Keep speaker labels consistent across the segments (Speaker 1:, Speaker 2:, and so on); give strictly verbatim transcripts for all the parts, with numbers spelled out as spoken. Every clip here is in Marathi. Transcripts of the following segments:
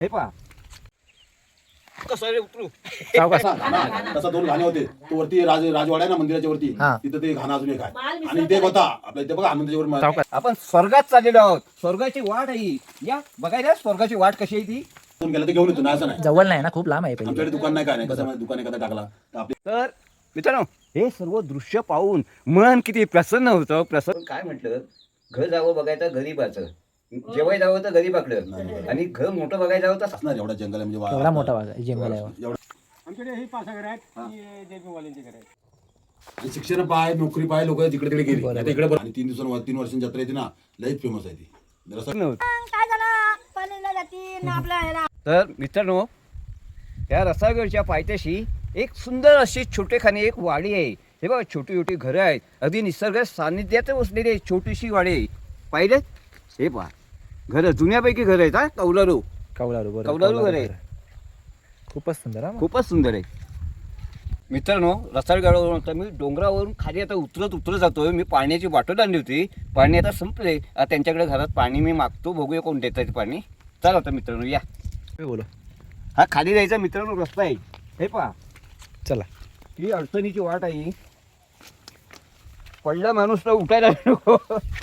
Speaker 1: हे पहा कसं रे उतरू
Speaker 2: सावकाश.
Speaker 3: तसा दोन घाणे होते. तो वरती राज राजवाडा आहे ना मंदिराच्या वरती,
Speaker 2: हा.
Speaker 3: तिथं ते घाणा अजून एक आहे. आणि इथे एक होता आपल्या इथे बघा हनुमंताच्या वर
Speaker 2: सावकाश.
Speaker 1: आपण स्वर्गात चाललेलो आहोत. स्वर्गाची वाट आहे ही. या बघायला स्वर्गाची वाट कशी आहे ती.
Speaker 3: फोन केला तर घेऊन येतो ना, असं नाही.
Speaker 2: जवळ नाही ना, खूप लांब आहे पहिले.
Speaker 3: आमच्याकडे दुकान नाही काय नाही, कसं दुकान एखादा टाकला तर आपले
Speaker 1: तर मित्रांनो हे सर्व दृश्य पाहून मन किती प्रसन्न होतं. प्रसन्न काय म्हटलं, घर जावं बघायचं गरीबाचं, जेवाय जावं तर गरीबाकडं, आणि घर मोठं बघायला जावं तर
Speaker 3: असणार एवढा जंगल आहे म्हणजे वा-
Speaker 2: एवढा मोठा भाग आहे जंगल आहे.
Speaker 3: एवढा.
Speaker 4: आमच्याकडे ही पाच घर आहेत, ती जयपूरवाल्यांची घर आहेत.
Speaker 3: आणि शिक्षण पाय नोकरी पाय लोक जिकडे तिकडे गेली
Speaker 2: बरोबर.
Speaker 3: नाही तर इकडे बरं. आणि तीन दिवसांवर तीन वर्षांची जत्रा येते ना, लईच फेमस आहे ती. जरा
Speaker 1: नव्हतं.
Speaker 5: काय झालं पाणीला जाती ना आपल्या ह्याला
Speaker 1: तर मित्रांनो त्या रसागडच्या पायथ्याशी एक सुंदर अशी छोटेखानी एक वाडी आहे. हे बघा छोटी छोटी घरं आहेत, अगदी निसर्ग सान्निध्यात बसलेली आहे छोटीशी वाडी आहे. पाहिलं हे पहा घरं जुन्यापैकी घरं आहेत. हा कौलारू
Speaker 2: कौलारू बरोबर.
Speaker 1: कौलारू घर आहे.
Speaker 2: खूपच सुंदर हा.
Speaker 1: खूपच सुंदर आहे. मित्रांनो रसाळगडावरून आता मी डोंगरावरून खाली आता उतरत उतरत जातोय. मी पाण्याची बॉटल आणली होती, पाणी आता संपले. आता त्यांच्याकडे घरात पाणी मी मागतो, बघूया कोण देत आहे पाणी. चला आता मित्रांनो या.
Speaker 2: मी बोलो
Speaker 1: हा खाली जायचा मित्रांनो रस्ता आहे. हे पहा
Speaker 2: चला.
Speaker 1: ही अडचणीची वाट आहे. पडला माणूस तर उठायला नको.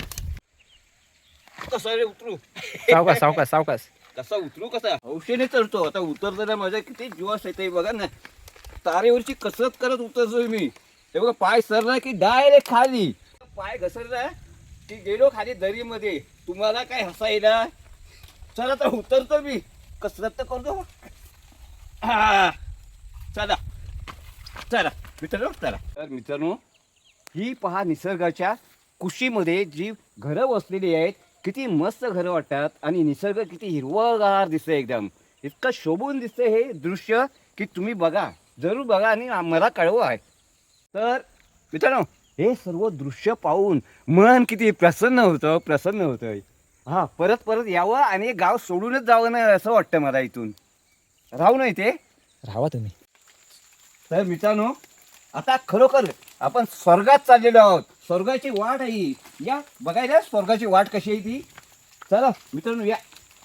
Speaker 1: कसं रे उतरू
Speaker 2: सावकाश सावकाश सावकाश.
Speaker 1: कसा उतरू कसा हौशेने चढतो. आता उतरताना माझ्या किती जीवास येते बघा ना. तारेवरची कसरत करत उतरतोय मी. हे बघा पाय सरला की डायरेक्ट खाली, पाय घसरला की गेलो खाली दरीमध्ये. तुम्हाला काय हसायला. चला तर उतरतो मी, कसरत तर करतो. हा चला चला मित्रांनो चला. तर मित्रांनो ही पहा निसर्गाच्या कुशीमध्ये जी घरं बसलेली आहेत, किती मस्त घरं वाटतात. आणि निसर्ग किती हिरवगार दिसतंय, एकदम इतकं शोभून दिसतंय हे दृश्य की तुम्ही बघा, जरूर बघा आणि मला कळवा आहे. तर मित्रांनो हे सर्व दृश्य पाहून मन किती प्रसन्न होतं प्रसन्न होतं. हां परत परत यावं आणि गाव सोडूनच जावं नाही असं वाटतं मला. इथून राहू नाही ते.
Speaker 2: राहा तुम्ही.
Speaker 1: तर मित्रांनो आता खरोखर आपण स्वर्गात चाललेलो आहोत. स्वर्गाची वाट आहे ही. या बघायला स्वर्गाची वाट कशी आहे ती. चला मित्रांनो या.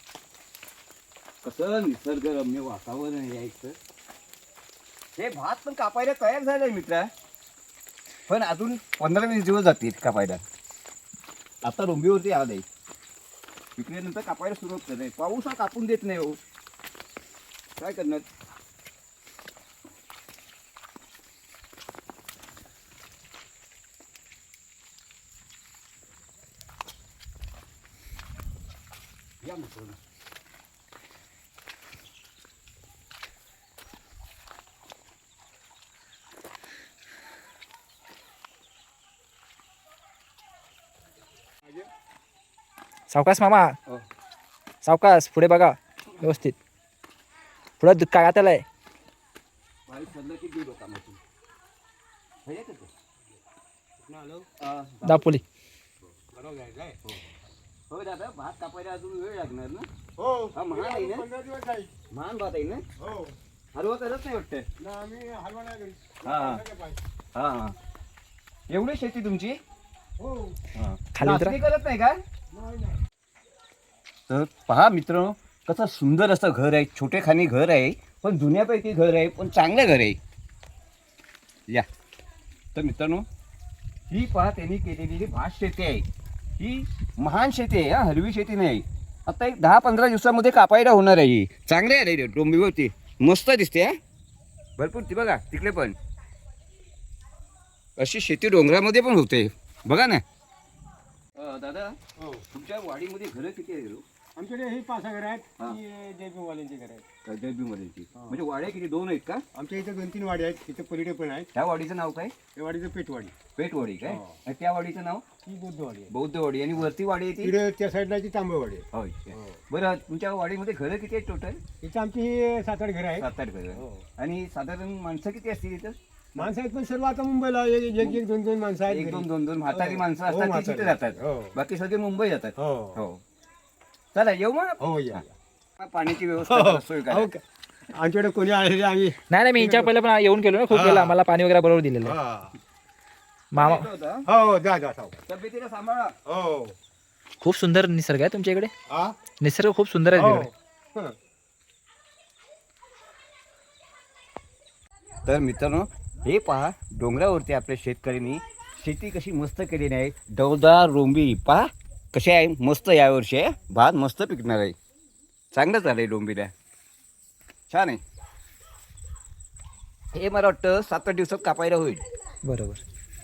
Speaker 1: कसं निसर्गरम्य वातावरण आहे यायचं. हे भात पण कापायला तयार झालंय मित्रा, पण अजून पंधरा वीस दिवस जातील कापायला. आता रोंबीवरती आलंय, इकडे नंतर कापायला सुरुवात करणार. पाऊस हा कापून देत नाही हो, काय करणार. या मित्रांनो
Speaker 2: सावकाश मामा.
Speaker 1: हो.
Speaker 2: सावकाश पुढे बघा व्यवस्थित. पुढे दूध काय आता आहे.
Speaker 1: बारीक पडलं की गेलो कामातून. हे येतं ते.
Speaker 4: आलो
Speaker 1: हा,
Speaker 2: दापोली.
Speaker 4: बरोबर आहे काय?
Speaker 1: हो दादा भात कापायला अजून वेळ लागणार ना.
Speaker 4: हो
Speaker 1: हा महान आहे ना,
Speaker 4: पंधरा दिवस जाईल.
Speaker 1: महान भात आहे ना.
Speaker 4: हो
Speaker 1: हलवा करत नाही वाटतं.
Speaker 4: ना आम्ही हलवा नाही करीत.
Speaker 1: हा.
Speaker 4: नाही पाहिजे.
Speaker 1: हा हा एवढी शेती तुमची.
Speaker 4: हो
Speaker 1: हा.
Speaker 2: खाली उतरा.
Speaker 1: नाचणी करत नाही का.
Speaker 4: नाही नाही
Speaker 1: तर पहा मित्रांनो कसं सुंदर असं घर आहे. छोटेखानी घर आहे, पण जुन्यापैकी घर आहे, पण चांगलं घर आहे. या तर मित्रांनो ही पहा त्यांनी केलेली भात शेती आहे. ही महान शेती आहे, हा हलवी शेती नाही. आता एक दहा पंधरा दिवसामध्ये कापायला होणार आहे. ही चांगली आहे रे डोंबीवरती, मस्त दिसते. हा भरपूर ती बघा तिकडे पण अशी शेती डोंगरामध्ये पण होते बघा ना. अं, दादा
Speaker 4: हो
Speaker 1: तुमच्या वाडीमध्ये घरं किती आहे रो?
Speaker 4: आमच्याकडे ही पाच घर आहेत,
Speaker 1: हा.
Speaker 4: ती जयपूरवाल्यांची घर आहेत.
Speaker 1: दैबीमध्ये
Speaker 4: हा.
Speaker 1: म्हणजे वाड्या किती दोन आहेत का?
Speaker 4: आमच्या इथे दोन तीन वाडी आहेत, तिथे पलीकडे पण आहेत.
Speaker 1: त्या वाडीचं नाव काय?
Speaker 4: त्या वाडीचं पेटवाडी,
Speaker 1: पेटवाडी काय?
Speaker 4: हो.
Speaker 1: आणि त्या वाडीचं नाव
Speaker 4: ती बुद्धवाडी आहे.
Speaker 1: बौद्धवाडी. आणि वरती वाडी आहे ती
Speaker 4: तिकडे त्या साईडला ती तांबवाडी आहे.
Speaker 1: होय.
Speaker 4: हो.
Speaker 1: बरं तुमच्या वाडीमध्ये घरं किती आहेत टोटल?
Speaker 4: इथं आमची ही सात आठ घर आहेत.
Speaker 1: सात आठ घरं.
Speaker 4: हो.
Speaker 1: आणि साधारण माणसं किती असतील इथं?
Speaker 4: माणसं आहेत पण सर्व आता मुंबईला एक एक एक दोन दोन माणसं आहेत
Speaker 1: एक
Speaker 4: घरी.
Speaker 1: दोन दोन दोन म्हातारी
Speaker 4: हो.
Speaker 1: माणसं
Speaker 4: हो,
Speaker 1: असतात ती
Speaker 4: म्हातारी.
Speaker 1: तिथे जातात.
Speaker 4: हो.
Speaker 1: बाकी सगळे मुंबई जातात.
Speaker 4: हो
Speaker 1: हो चला येऊ मग.
Speaker 4: हो या
Speaker 1: पाण्याची
Speaker 4: हो,
Speaker 1: व्यवस्था सोय करा.
Speaker 4: हो का? आमच्याकडे कोणी आले आम्ही
Speaker 2: नाही नाही मी यांच्या पहिले पण येऊन गेलो ना खूप
Speaker 4: हा.
Speaker 2: वेळा. आम्हाला पाणी वगैरे बरोबर दिलेलं आहे.
Speaker 4: हा.
Speaker 2: मामा
Speaker 1: येतो होता.
Speaker 4: हो जा जा सावकाश.
Speaker 1: तब्येतीला सांभाळा.
Speaker 4: हो
Speaker 2: खूप सुंदर निसर्ग आहे तुमच्या इकडे.
Speaker 4: हा
Speaker 2: निसर्ग खूप सुंदर आहे
Speaker 4: हो
Speaker 2: तिकडे.
Speaker 4: हं.
Speaker 1: तर मित्रांनो हे पहा डोंगरावरती आपल्या शेतकऱ्यांनी शेती कशी मस्त केलेली आहे. डौलदार रोंबी पहा कशी आहे, मस्त यावर्षी आहे. भात मस्त पिकणार आहे. चांगलं झालं आहे डोंबीला, छान आहे. हे मला वाटतं सात आठ दिवसात कापायला होईल.
Speaker 2: बरोबर.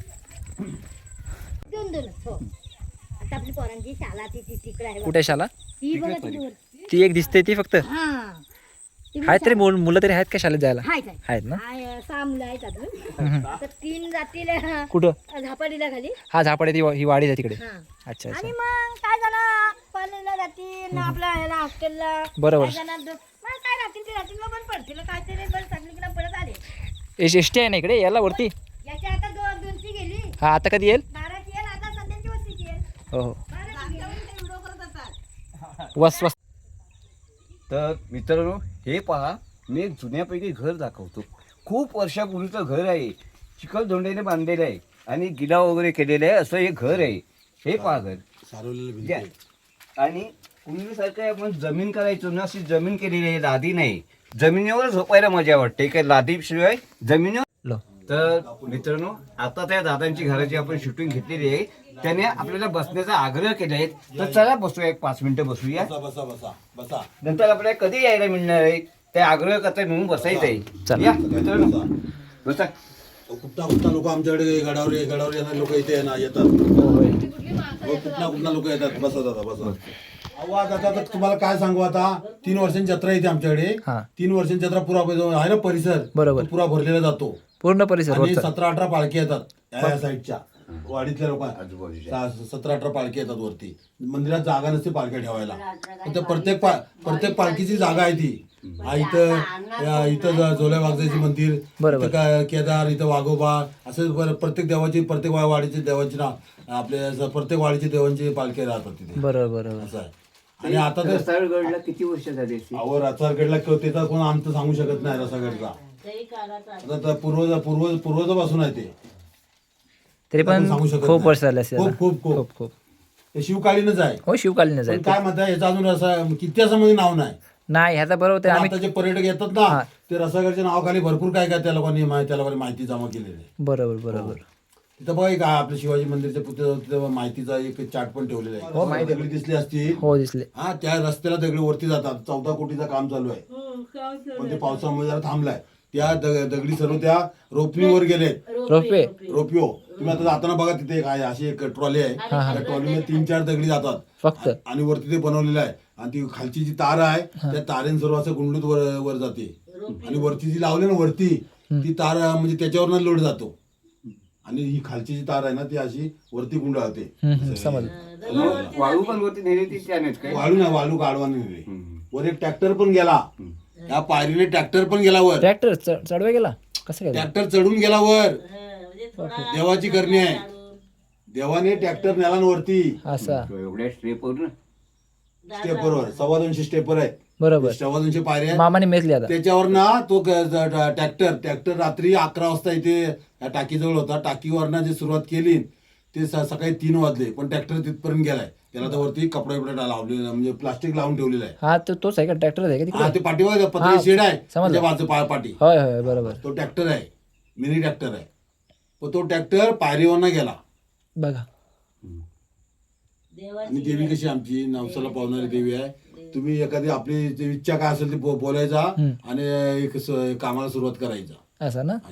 Speaker 5: दोन दोन हो. आता आपली पोरांची शाळा ती ती तिकडे आहे बघा.
Speaker 2: कुठे शाला?
Speaker 5: ती बघा ती वर.
Speaker 2: ती एक दिसते ती फक्त.
Speaker 5: हा ती
Speaker 2: आहेत तरी मुल- मुलं तरी आहेत का शाळेत जायला?
Speaker 5: हाय काय
Speaker 2: आहेत ना.
Speaker 5: हाय सहा मुलं आहेत अजून. आता तीन जातील हा,
Speaker 2: कुठं?
Speaker 5: झापाडीला खाली.
Speaker 2: हा झापाडे ती ही वाडी आहे तिकडे.
Speaker 5: हा
Speaker 2: अच्छा
Speaker 5: आणि
Speaker 2: अच्छा.
Speaker 5: मग काय जण कॉलेजला जातील ना आपल्या ह्याला हॉस्टेलला.
Speaker 2: बरोबर.
Speaker 5: काय जण दो- मग काय राहतील ते राहतील मग पण पडतील काय तरी बरं चांगली की परत आले.
Speaker 2: एस एस टी आहे ना इकडे याला वरती.
Speaker 5: याच्या आता दोन दोनची गेली
Speaker 2: हा आता कधी येईल?
Speaker 5: बाराची येईल आता सध्याची वस्तीची येईल.
Speaker 2: हो हो.
Speaker 5: बाराची गेली. व्हिडिओ करत असतात.
Speaker 2: वस वस.
Speaker 1: तर मित्रांनो हे पहा मी एक जुन्यापैकी घर दाखवतो. खूप वर्षापूर्वीचं घर आहे. चिखलदोंडेने बांधलेलं आहे आणि गिला वगैरे केलेलं आहे असं हे घर आहे. हे पहा घर
Speaker 3: सारवलेलं भिंती
Speaker 1: घ्या.
Speaker 3: आहे.
Speaker 1: आणि पूर्वीसारखं आपण जमीन करायचो ना, अशी जमीन केलेली आहे, लादी नाही. जमिनीवर झोपायला मजा वाटते, काय लादीशिवाय जमिनीवर.
Speaker 2: लो.
Speaker 1: तर मित्रांनो आता त्या दादांची घराची आपण शूटिंग घेतलेली आहे. त्याने आपल्याला बसण्याचा आग्रह केला आहे. तर चला बसूया, एक पाच मिनिटं बसूया.
Speaker 3: बसा बसा बसा बसा
Speaker 1: नंतर आपल्याला कधी यायला मिळणार आहे ते आग्रह करता म्हणून बसायचं आहे.
Speaker 2: चला.
Speaker 1: या मित्रांनो बसा.
Speaker 3: कुठला कुठला लोक आमच्याकडे गडावर गडावर येणार लोक इथे ना येतात. हो, कुठला कुठला लोक येतात. बसा दादा बसा. आवाज आता तर तुम्हाला काय सांगू, आता तीन वर्षांची जत्रा येते आमच्याकडे.
Speaker 2: हा.
Speaker 3: तीन वर्षांची जत्रा पुरा आहे ना परिसर.
Speaker 2: बरोबर.
Speaker 3: तो पुरा भरलेला जातो
Speaker 2: पूर्ण परिसर
Speaker 3: आणि
Speaker 2: रोडचा.
Speaker 3: सतरा अठरा पालखी येतात या साईडच्या वाडीतल्या लोक.
Speaker 1: आजूबाजूच्या.
Speaker 3: सतरा अठरा पालखी येतात वरती. मंदिरात जागा नसते पालख्या ठेवायला. पण ते प्रत्येक पा प्रत्येक पालखीची जागा आहे ती. हा इथं या- इथं ज- जोल्या वाघजाची मंदिर,
Speaker 2: बरोबर.
Speaker 3: इथं काय केदार, इथं वाघोबा, असं बर- प्रत्येक देवाची प्रत्येक वा- वाडीची देवाची ना आपल्या स- प्रत्येक वाडीची देवांची पालखी राहतात तिथे.
Speaker 2: बरोबर बरोबर.
Speaker 3: असं आहे. आणि आता तर
Speaker 1: रसाळगडला किती वर्ष झाली असतील?
Speaker 3: अहो रसाळगडला त्याचा कोण आमचं सांगू शकत नाही. रसाळगडचा आता तर पूर्वज पूर्वज पूर्वजापासून आहे ते.
Speaker 2: तरी पण
Speaker 3: सांगू शकत
Speaker 2: खूप
Speaker 3: नाही.
Speaker 2: वर्ष झाले असेल.
Speaker 3: खूप खूप खूप
Speaker 2: खूप खूप.
Speaker 3: हे शिवकालीनच आहे.
Speaker 2: हो शिवकालीनच
Speaker 3: पण
Speaker 2: आहे.
Speaker 3: काय म्हणताय याचं अजून असं इतिहासामध्ये नाव नाही.
Speaker 2: नाही ह्याचा बरोबर ते
Speaker 3: पण
Speaker 2: आम्ही.
Speaker 3: आता जे पर्यटक येतात ना ते रसागडच्या नावाखाली भरपूर काय काय त्या लोकांनी मा- त्या लोकांनी माहिती जमा केलेली आहे.
Speaker 2: बरोबर बरोबर.
Speaker 3: तिथं बघा एक आपल्या शिवाजी मंदिरच्या पुतळ्यावर तिथं माहितीचा एक चार्ट पण ठेवलेला आहे.
Speaker 2: हो, माहिती आहे.
Speaker 3: दगडी दिसली असतील.
Speaker 2: हो दिसले.
Speaker 3: हा त्या रस्त्याला दगडी वरती जातात. चौदा कोटीचं काम चालू आहे पण ते पावसामुळे जरा थांबलाय. त्या दग- दगडी सर्व त्या रोपणीवर गेलेत.
Speaker 2: रोपवे.
Speaker 3: रोपिओ तुम्ही आता जाताना बघा तिथे एक आहे अशी एक ट्रॉली आहे. त्या ट्रॉलीमध्ये तीन चार दगडी जातात
Speaker 2: फक्त.
Speaker 3: आणि वरती ते बनवलेलं आहे. आणि ती खालची जी तार आहे त्या तारेन सर्व असं गुंडूत वर वर जाते. आणि वरती जी लावली ना वरती ती तार म्हणजे त्याच्यावर लोड जातो. आणि ही खालची जी तार आहे ना ती अशी वरती गुंडाळते.
Speaker 2: समजलं.
Speaker 1: वाळू पण वरती नेली ती त्यानेच काय?
Speaker 3: वाळू ना वाळू काढवाने नेली. वर एक ट्रॅक्टर पण गेला. त्या पायरीने ट्रॅक्टर पण गेला वर.
Speaker 2: ट्रॅक्टर चढवा गेला कसं गेला?
Speaker 3: ट्रॅक्टर चढून गेला वर. देवाची करणी आहे. देवाने ट्रॅक्टर नेला ना वरती
Speaker 2: असा.
Speaker 1: एवढ्या स्ट्रेपवर ना
Speaker 3: स्टेपवर सव्वा दोनशे स्टेपर आहेत.
Speaker 2: बरोबर.
Speaker 3: सव्वा दोनशे पायऱ्या आहेत.
Speaker 2: मामाने मेचली आता.
Speaker 3: त्याच्यावर ना तो ट्रॅक्टर ट्रॅक्टर रात्री अकरा वाजता इथे या टाकीजवळ होता. टाकीवरनं जे सुरुवात केली ते स- सकाळी तीन वाजले पण ट्रॅक्टर तिथपर्यंत गेलाय. त्याला तर वरती कपडा बिपडा लावलेला म्हणजे प्लास्टिक लावून ठेवलेलं आहे.
Speaker 2: हा तो तोच आहे का ट्रॅक्टर आहे का
Speaker 3: हा
Speaker 2: तिकडे?
Speaker 3: ते पाठीवर पत्रे
Speaker 2: हा,
Speaker 3: शेड आहे
Speaker 2: समजलं.
Speaker 3: त्याच्या बाजू पा- पाठी
Speaker 2: होय होय बरोबर.
Speaker 3: तो ट्रॅक्टर आहे. मिनी ट्रॅक्टर आहे. पण तो ट्रॅक्टर पायरीवरनं गेला.
Speaker 2: बघा.
Speaker 3: आणि देवी कशी आमची नवसाला पावणारी देवी आहे. तुम्ही एखादी आपली जी इच्छा काय असेल ती बो- बोलायचा आणि एक स- कामाला सुरुवात करायचा.
Speaker 2: असं ना.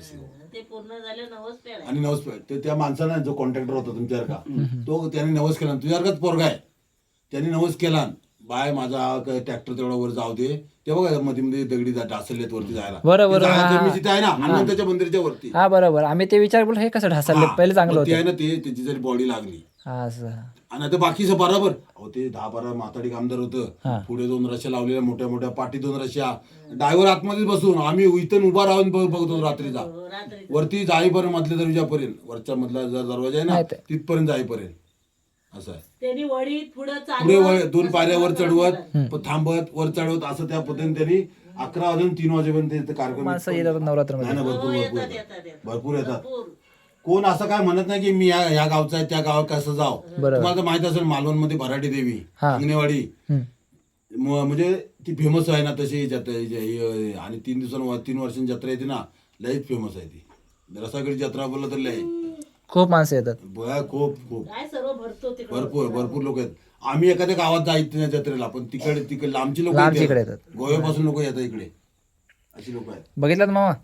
Speaker 3: आणि नवस ते त्या माणसानं जो कॉन्ट्रॅक्टर होता तुमच्यासारखा तो त्याने नवस केला. तुझ्यासारखाच पोरगा आहे. त्यांनी नवस केला बाय माझा ट्रॅक्टर तेवढा वर जाऊ दे. ते बघा मध्ये मध्ये दगडी ढासलेत वरती जायला.
Speaker 2: बरोबर,
Speaker 3: ती जागा
Speaker 2: हा,
Speaker 3: जमिनीची तिथे आहे ना हनुमंताच्या मंदिराच्या वरती.
Speaker 2: हा बरोबर. आम्ही ते विचार बोल हे कसं ढासळले
Speaker 3: हा,
Speaker 2: पहिले चांगलं
Speaker 3: मग ते आहे
Speaker 2: होतं.
Speaker 3: ना ते त्याची जरी बॉडी लागली
Speaker 2: असं.
Speaker 3: आणि आता बाकीचं बरोबर अहो ते दहा बारा माताडी कामदार
Speaker 2: हा.
Speaker 3: होतं. पुढे दोन रश्या लावलेल्या मोठ्या मोठ्या पाठी दोन रश्या. ड्रायव्हर आतमध्ये बसून आम्ही इथून उभा राहून बघ- बघतो रात्रीचा वरती जाईपर्यंत मधल्या दरवाजापर्यंत वरच्या मधला जो दरवाजा आहे ना
Speaker 2: माहित आहे.
Speaker 3: तिथपर्यंत जाईपर्यंत असं आहे.
Speaker 6: त्यांनी वडीत पुढे
Speaker 3: पुढे वर- दोन पायऱ्यावर चढवत प- थांबत वर चढवत असं त्या पद्धतीने त्यांनी अकरा वाजून तीन वाजेपर्यंत ते कार्यक्रम
Speaker 2: माणसं येतात नवरात्रमध्ये.
Speaker 3: नाही ना, भरपूर भरपूर येतात. भरपूर येतात. कोण असं काय म्हणत नाही की मी या या गावचा आहे त्या गावात कसं जाव.
Speaker 2: बरोबर.
Speaker 3: तुम्हाला तर माहित असेल मालवण मध्ये भराटी देवी
Speaker 2: हा.
Speaker 3: अंगणेवाडी
Speaker 2: हम्म.
Speaker 3: म- म्हणजे ती फेमस आहे ना तशी जत्रा. आणि तीन दिवसां तीन वर्षांची जत्रा येते ना लयच फेमस आहे ती. रसागडी जत्रा बोललं तर लय
Speaker 2: खूप माणसं येतात.
Speaker 3: बया खूप खूप
Speaker 5: काय सर्व भरतो तिकडे
Speaker 3: भरपूर भरपूर लोक आहेत. आम्ही एखाद्या गावात जायचं नाही जत्रेला, पण तिकडे तिकडे लांबची लोक
Speaker 2: लांबची इकडे येतात.
Speaker 3: गोव्यापासून लोक येतात इकडे, अशी लोक आहेत.
Speaker 2: बघितलं ना मामा.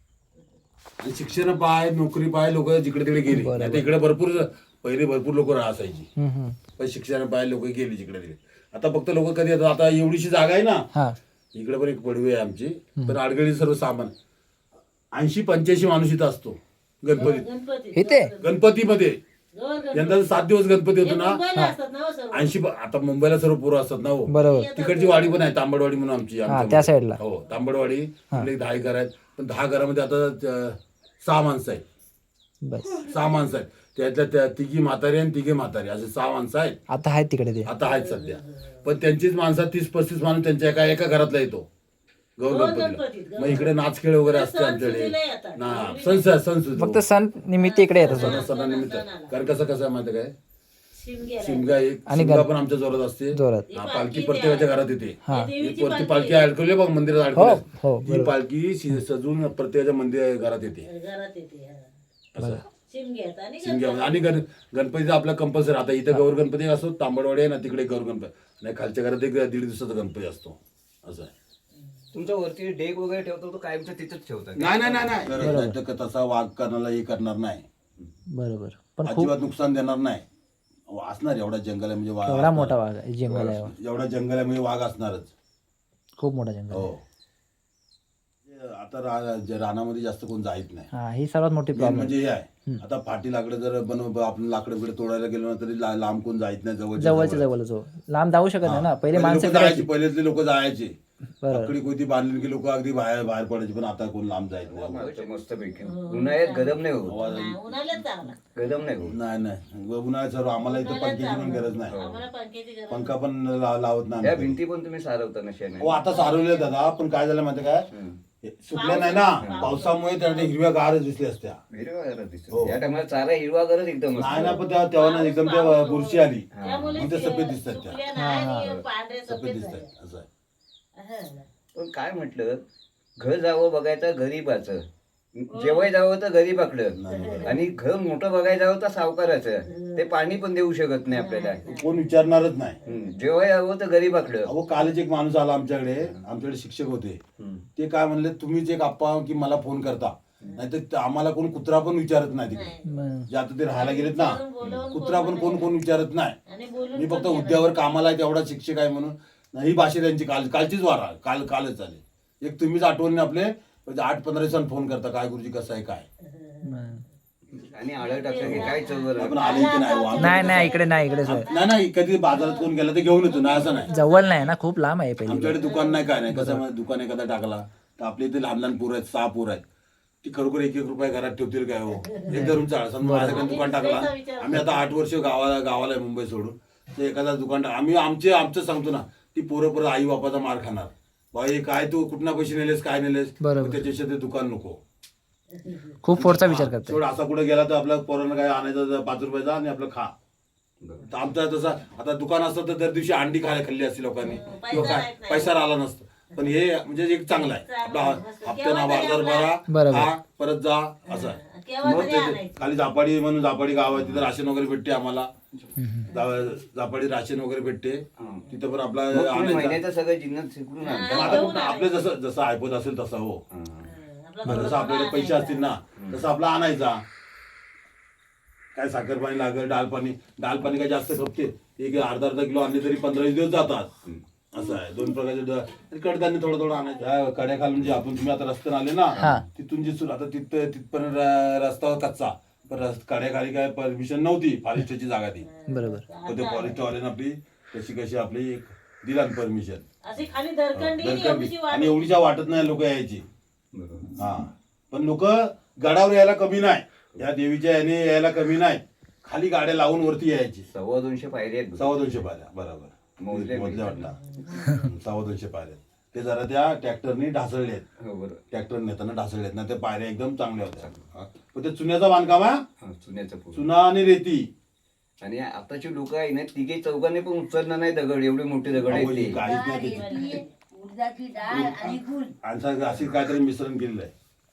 Speaker 3: आणि शिक्षण पाय नोकरी पाय लोक जिकडे तिकडे गेली. आता इकडे भरपूर पहिले भरपूर लोक राहायची,
Speaker 2: हम्म, हम्म.
Speaker 3: पण शिक्षण पाय लोक गेली जिकडे तिकडे. आता फक्त लोक कधी येतात, आता एवढीशी जागा आहे ना,
Speaker 2: हा
Speaker 3: इकडे पण एक पडवी आहे आमची, पण आडगळी सर्व सामान ऐंशी पंच्याऐंशी माणूस इथं असतो गणपतीत.
Speaker 5: गणपती
Speaker 2: इथे
Speaker 3: गणपतीमध्ये
Speaker 5: गौर गणपती
Speaker 3: यंदा सात दिवस गणपती होतो ना,
Speaker 5: मुंबईला असतात ना हो सर्व
Speaker 3: ऐंशी आता मुंबईला सर्व पोरं असतात ना हो.
Speaker 2: बरोबर.
Speaker 3: तिकडची वाडी पण आहे तांबडवाडी म्हणून आमची
Speaker 2: हा
Speaker 3: आमच्या
Speaker 2: त्या साईडला.
Speaker 3: हो तांबडवाडी. आपले दहा घर आहेत, पण दहा घरामध्ये आता अं, सहा माणसं आहेत.
Speaker 2: बस
Speaker 3: सहा माणसं आहेत, त्यातल्या त्या तिघी म्हातारी आणि तिघे म्हातारी असे सहा माणसं आहेत.
Speaker 2: आता आहेत तिकडे ते.
Speaker 3: आता आहेत सध्या, पण त्यांचीच माणसं तीस पस्तीस माणूस त्यांच्या एका एका घरातला येतो गौर गणपतीला. मग इकडे नाच खेळ वगैरे असते आमच्याकडे ना, सण सण सुद्धा
Speaker 2: फक्त सण निमित्त इकडे येतात.
Speaker 3: सणा- सणानिमित्त. कारण कसं कसं आहे माहिती काय,
Speaker 5: शिमग्या
Speaker 3: शिमगा एक
Speaker 2: आणि
Speaker 3: शिमगा
Speaker 2: गण-
Speaker 3: पण आमच्या जोरात असते.
Speaker 2: जोरात.
Speaker 3: हा, पालखी प्रत्येकाच्या घरात येते.
Speaker 2: हा.
Speaker 3: एक वरती पालखी अडकवली बघ मंदिरात
Speaker 2: हो
Speaker 3: अडकवली,
Speaker 2: हो
Speaker 3: ही पालखी शि- सजून प्रत्येकाच्या मंदिर घरात येते.
Speaker 5: घरात येते हा.
Speaker 3: असं
Speaker 5: शिमग्यात आणि
Speaker 3: शिमग्या आणि गण गणपतीचा आपला कंपल्सरी. आता इथं गौर गणपती असतो तांबडवाडी आहे ना, तिकडे गौर गणपती नाही, खालच्या घरात एक दीड दिवसाचा गणपती असतो. असं आहे.
Speaker 1: तुमच्या वरती डेक वगैरे ठेवतो तो कायमचा तिथंच ठेवता का?
Speaker 3: नाही नाही नाही नाही नाही तर तसा वाघ करणारा हे करणार नाही,
Speaker 2: बरोबर. पण खूप
Speaker 3: अजिबात नुकसान देणार नाही. असणार एवढा जंगल आहे म्हणजे वाघ
Speaker 2: एवढा
Speaker 3: असणार.
Speaker 2: मोठा वाघ आहे, जंगल आहे.
Speaker 3: एवढा जंगल आहे म्हणजे वाघ असणारच.
Speaker 2: खूप मोठा जंगल
Speaker 3: हो.
Speaker 2: आहे.
Speaker 3: आता रा- जे रानामध्ये जास्त कोण जायत नाही.
Speaker 2: हा ही सर्वात मोठी
Speaker 3: मेन
Speaker 2: प्रॉब्लेम.
Speaker 3: म्हणजे हे आहे, आता फाटी लाकडं जर बनव आपण लाकडं बिकडे तोडायला गेलो ना तरी ला- लांब कोण जायत नाही, जवळ
Speaker 2: जवळच्या जवळच हो. लांब जाऊ शकत नाही ना. पहिले माणसं
Speaker 3: जायची,
Speaker 2: फिरायची.
Speaker 3: पहिल्यातले लोक जायचे.
Speaker 2: बरोबर.
Speaker 3: आकडी कोणती बांधली की लोक अगदी बाहेर बाहेर पडायचे, पण आता कोण लांब जायत नाही.
Speaker 1: मस्त पैकी उन्हाळ्यात गरम नाही होत.
Speaker 3: आवाज-
Speaker 5: उन्हाळ्यात चांगला
Speaker 1: गरम नाही होत.
Speaker 3: नाही नाही उन्हाळ्यात सर्व आम्हाला इथं पंख्याची पण गरज नाही,
Speaker 5: आम्हाला पंख्याची गरज
Speaker 3: पंखा पण ला- लावत नाही
Speaker 1: या
Speaker 3: आम्ही.
Speaker 1: भिंती पण तुम्ही सारवता ना शेणे.
Speaker 3: हो आता सारवले दादा, पण काय झालं माहिती काय, हे सुकल्या नाही ना पावसामुळे त्या हिरव्या गारच दिसल्या असत्या.
Speaker 1: हिरवा दिसतो
Speaker 3: हो.
Speaker 1: या टायमाला चारा हिरवा गरज एकदम
Speaker 3: नाही ना,
Speaker 1: असतो.
Speaker 3: पण त्या- तेव्हा ना एकदम त्या बुरशी आली
Speaker 5: त्यामुळे
Speaker 3: मग ते सफेद दिसतात त्या,
Speaker 5: सुकल्या नाही आणि पांढरे
Speaker 3: सफेद
Speaker 5: सफेद
Speaker 3: दिसतात
Speaker 5: झाले.
Speaker 3: असं आहे.
Speaker 5: हा.
Speaker 1: पण काय म्हटलं, घर जावं बघायचं गरीबाचं, जेवाय जावं तर गरीबाकडं, आणि घर मोठं बघायला जावं तर सावकाराचं. ते पाणी पण देऊ शकत नाही आपल्याला.
Speaker 3: कोण विचारणारच नाही.
Speaker 1: हम्म. जेवाय जावं तर गरीबाकडं.
Speaker 3: अहो कालच एक माणूस आला आमच्याकडे, आमच्याकडे शिक्षक होते. ते काय म्हणले, तुम्हीच एक आप्पा की मला फोन करता, नाहीतर आम्हाला कोण कुत्रा पण विचारत नाही तिकडे.
Speaker 2: मग
Speaker 3: जे आता ते राहायला गेलेत ना, कुत्रा पण कोण कोण विचारत नाही.
Speaker 5: आणि बोलून
Speaker 3: मी फक्त उद्यावर कामाला आहे तेवढा शिक्षक आहे म्हणून. ही भाषा त्यांची काल कालचीच वारा काल कालच झाली. एक तुम्हीच आठवणी आपले म्हणजे आठ पंधरा दिवसांनी फोन करता, काय गुरुजी कसं आहे काय.
Speaker 2: मग.
Speaker 1: आणि आळं टाकलं की काय चौघर.
Speaker 3: आपण आले की नाही वा-
Speaker 2: नाही नाही इकडे नाही इकडे सर.
Speaker 3: नाही नाही कधी बाजारात कोण गेला तर घेऊन येतो ना, असं नाही.
Speaker 2: जवळ नाही ना, खूप लांब आहे पहिले.
Speaker 3: आमच्याकडे दुकान नाही काय नाही. कसं आहे, दुकान एखादा टाकला तर आपले इथे लहान लहान पोरं आहेत, सहा पोरं आहेत, ती खरोखर एक एक रुपया घरात ठेवतील काय हो. एक धरून चाळ समजा माझ्याकडे दुकान टाकला, आम्ही आता आठ वर्ष गावाला गावाला आहे मुंबई सोडून, तर एखादा दुकान टाक आम्ही आमचे आमचं सांगतो ना, ती पोरं पोरं आई बापाचा मार खाणार. बाई काय तू कुठना पैसे नेलेस काय नेलेस,
Speaker 2: बरोबर.
Speaker 3: त्याच्यापेक्षा ते दुकान नको.
Speaker 2: खूप फोडचा विचार करते.
Speaker 3: सोड असा कुठे गेला तर आपल्या पोरांना काय आणायचं पाच रुपयाचा आणि आपलं खा. तर आमचा तसा आता दुकान असतं तर दर दिवशी अंडी खायला खाल्ली असती लोकांनी किंवा काय पैसा राहिला नसतं. पण हे म्हणजे एक चांगलं आहे, आपला हप्त्याना बाजार
Speaker 2: बरोबर.
Speaker 3: भरा, हा परत जा असं आहे.
Speaker 5: केव्हा
Speaker 3: मग
Speaker 5: तरी
Speaker 3: ते-
Speaker 5: आणायचं.
Speaker 3: खाली जापाडी म्हणून जापाडी गाव आहे, तिथं राशन वगैरे भेटते आम्हाला. जा- जापाडी राशन वगैरे भेटते, तिथं पण आपला
Speaker 1: मग तुम्ही
Speaker 3: आणायचा.
Speaker 1: महिन्याचं सगळं जिन्नस शिकून आणता.
Speaker 3: पण आता कुठं आपलं जसं जसं ऐकत असेल तसं हो, जसं आपल्याकडे पैसे असतील ना तसं आपला आणायचा. काय साखर पाणी लागेल, डाळ पाणी डाळ पाणी काय जास्त खपते, एक अर्धा अर्धा किलो आणले तरी पंधरा दिवस जातात. असं आहे, दोन प्रकारचे कडधान्य थोडं थोडं आणायचं. कड्या खालून जे आपण तुम्ही आता रस्त्याने आले ना, तिथून जे सुरू आता तिथं तिथपर्यंत र- रस्ता कच्चा, पण रस्त कड्याखाली काय परमिशन नव्हती, फॉरेस्टची जागा ती.
Speaker 2: बरोबर.
Speaker 3: पण ते फॉरेस्टवाल्यानं आपली कशी कशी आपली एक दिला परमिशन.
Speaker 5: अशी खाली दरकंडी आणि एवढीशी वाट.
Speaker 3: आणि एवढीच्या वाटत नाही लोक यायची. हा पण लोक गडावर यायला कमी नाही, या देवीच्या याने यायला कमी नाही, खाली गाड्या लावून वरती यायची.
Speaker 1: सव्वा दोनशे पायरी आहेत.
Speaker 3: सव्वा दोनशे पायऱ्या बरोबर
Speaker 1: मोजल्या
Speaker 3: मोजल्या वाटला सव्वा दोनशे पायऱ्या. ते जरा त्या ट्रॅक्टरनी ढासळले आहेत,
Speaker 1: हो बरोबर.
Speaker 3: ट्रॅक्टर नेताना ढासळले आहेत ना, त्या पायऱ्या एकदम चांगल्या होत्या. हा. पण ते चुन्याचा बांधकाम आहे,
Speaker 1: हा, चुन्याचं पूल.
Speaker 3: चुना आणि रेती.
Speaker 1: आणि आताची लोक आहे ना, तिघे चौघांनी पण उचलणार नाही दगड, एवढे मोठे दगड आहेत
Speaker 3: अहो, हे
Speaker 1: ते.
Speaker 3: काहीच नाही त्याची.
Speaker 5: उडदाची डाळ आणि गुळ.
Speaker 3: आणि अशी काहीतरी मिश्रण केलेलं आहे.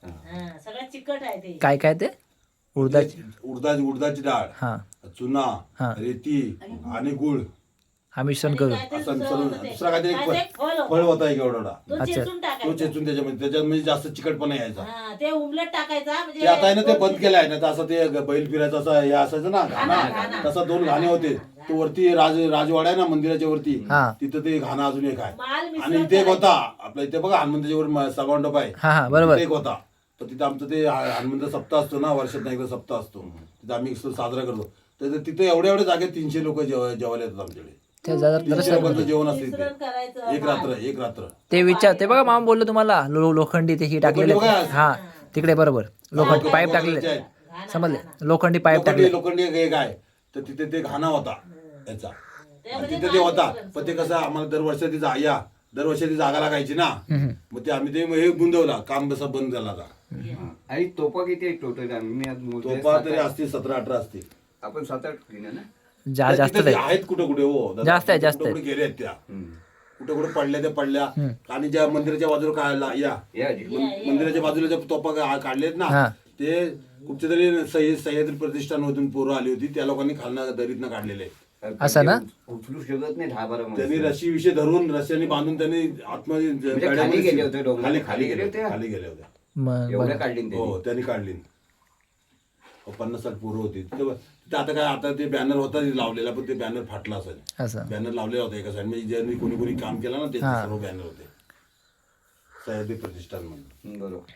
Speaker 5: हा, सगळं चिकट आहे ते.
Speaker 2: काय काय ते उडदाची
Speaker 3: उडदाची उडदाची डाळ
Speaker 2: हां
Speaker 3: चुना
Speaker 2: हा.
Speaker 3: रेती आणि गुळ
Speaker 2: हा मिश्रण करू
Speaker 5: काय ते
Speaker 3: असं
Speaker 5: दुसरं
Speaker 3: सरून-
Speaker 5: होतं ते.
Speaker 3: दुसरा काहीतरी एक
Speaker 5: काय ते एक फळ
Speaker 3: फळ
Speaker 5: होतं.
Speaker 3: फळ होता एक एवढा
Speaker 5: तो
Speaker 2: अच्छा.
Speaker 5: चेचून
Speaker 3: तो
Speaker 5: टाकायचा.
Speaker 3: चेचून त्याच्यामध्ये त्याच्यात म्हणजे जास्त चिकटपणा यायचा
Speaker 5: हा, ते उमलट टाकायचा म्हणजे
Speaker 3: ते आता आहे ना ते
Speaker 5: दोन
Speaker 3: बंद
Speaker 5: तीन-
Speaker 3: केलं आहे ना तर असं ते बैल फिरायचं असं हे असायचं ना घाणा
Speaker 5: घाणा.
Speaker 3: तसा दोन घाणे होते तो वरती राज राजवाडा आहे ना मंदिराच्या वरती
Speaker 2: हा.
Speaker 3: तिथं ते घाणा अजून एक आहे
Speaker 5: माल मिश्रण
Speaker 3: आणि इथे एक
Speaker 5: करायचं.
Speaker 3: होता आपल्या इथे बघा हनुमंताच्या वर म- सभामंडप आहे
Speaker 2: हा हा बरोबर
Speaker 3: तिथे एक होता तर तिथे आमचं ते ह- हनुमंत सप्ताह असतो ना वर्षात एकदा सप्ताह असतो तिथे आम्ही साजरा करतो तर तिथे एवढ्या एवढ्या जागेत तीनशे लोक जेवायला येतात आमच्याकडे
Speaker 2: ते जरा
Speaker 3: तीनशे
Speaker 2: जरा
Speaker 3: लोकांचं जेवण असते
Speaker 5: मिश्रण
Speaker 3: तिथे.
Speaker 5: करायचं
Speaker 3: एक रात्र एक रात्र
Speaker 2: ते विचार ते बघा मामा बोललो तुम्हाला लो लोखंडी ते ही टाकलेले
Speaker 3: लोखंडी बघा.
Speaker 2: हा तिकडे बरोबर लोखंड पाईप
Speaker 3: लोखंडी
Speaker 2: टाकलेले
Speaker 3: आहेत.
Speaker 2: समजले लोखंडी पाईप टाकले
Speaker 3: लोखंडी लोखंडी एक आहे तर तिथे ते घाणा होता याचा आणि
Speaker 5: म्हणजे
Speaker 3: तिथे ते होता पण ते कसं आम्हाला दरवर्षी ती जा- या दरवर्षी ती जागा लागायची ना मग ते आम्ही ते हे गुंदवला काम कसं बंद झाला आता
Speaker 1: आणि तोपा किती आहे टोटल मी आज मोजले
Speaker 3: तोपा
Speaker 1: सात-
Speaker 3: तरी असतील सतरा अठरा असतील
Speaker 1: आपण सात आठ घेणार ना
Speaker 2: जा जास्त
Speaker 3: तिथे
Speaker 2: आहे
Speaker 3: आहेत कुठे कुठे हो दादा.
Speaker 2: जास्त आहे, जास्त
Speaker 3: कुठे कुठे गेले आहेत त्या कुठे कुठे पडल्या त्या पडल्या आणि ज्या मंदिराच्या बाजूला काढला या
Speaker 1: या आजी.
Speaker 3: मन- मंदिराच्या बाजूला ज्या तोपा का- काढलेत ना
Speaker 2: हा.
Speaker 3: ते कुठच्या तरी सह्य- सह्याद्री प्रतिष्ठानमधून पोरं आली होती त्या लोकांनी खालना दरीतनं काढलेले
Speaker 2: असं ना?
Speaker 1: उचलू शकत नाही दहा बारा
Speaker 3: त्यांनी
Speaker 1: माणसं.
Speaker 3: रशी विषय धरून रस्त्याने बांधून त्यांनी आतमध्ये
Speaker 1: म्हणजे
Speaker 3: गाड्यामध्ये
Speaker 1: खाली गेले होते डोंगरात?
Speaker 3: खाली
Speaker 1: खाली
Speaker 3: खाली
Speaker 1: गेले
Speaker 3: गेले
Speaker 1: होते?
Speaker 3: खाली गेले होते
Speaker 2: मग
Speaker 1: एवढ्या काढली ना
Speaker 3: हो
Speaker 1: त्यांनी.
Speaker 3: त्यांनी काढली हो, पन्नास साठ पोरं होती तिथं तिथं आता काय आता ते बॅनर होता लावलेला पण ते बॅनर फाटला असेल
Speaker 2: असं
Speaker 3: बॅनर लावलेला होता एका साईड म्हणजे ज्यांनी कोणी कोणी काम केलं ना ते
Speaker 2: हा.
Speaker 3: सर्व बॅनर होते सह्याद्री प्रतिष्ठान म्हणून
Speaker 1: हम्म, बरोबर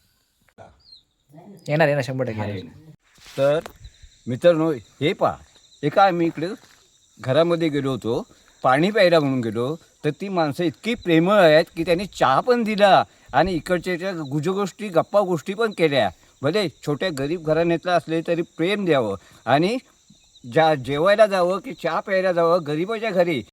Speaker 2: येणार येणार शंभर टक्के
Speaker 1: आहे
Speaker 2: येणार.
Speaker 1: ना. तर मित्रांनो हे पहा एका आम्ही इकडे घरामध्ये गेलो होतो पाणी प्यायला म्हणून गेलो तर ती माणसं इतकी प्रेमळ आहेत की त्यांनी चहा पण दिला आणि इकडच्या ज्या गुजगोष्टी गप्पा गोष्टी पण केल्या भले छोट्या गरीब घराण्यातलं असले तरी प्रेम द्यावं आणि ज्या जेवायला जावं की चहा प्यायला जावं गरीबाच्या घरी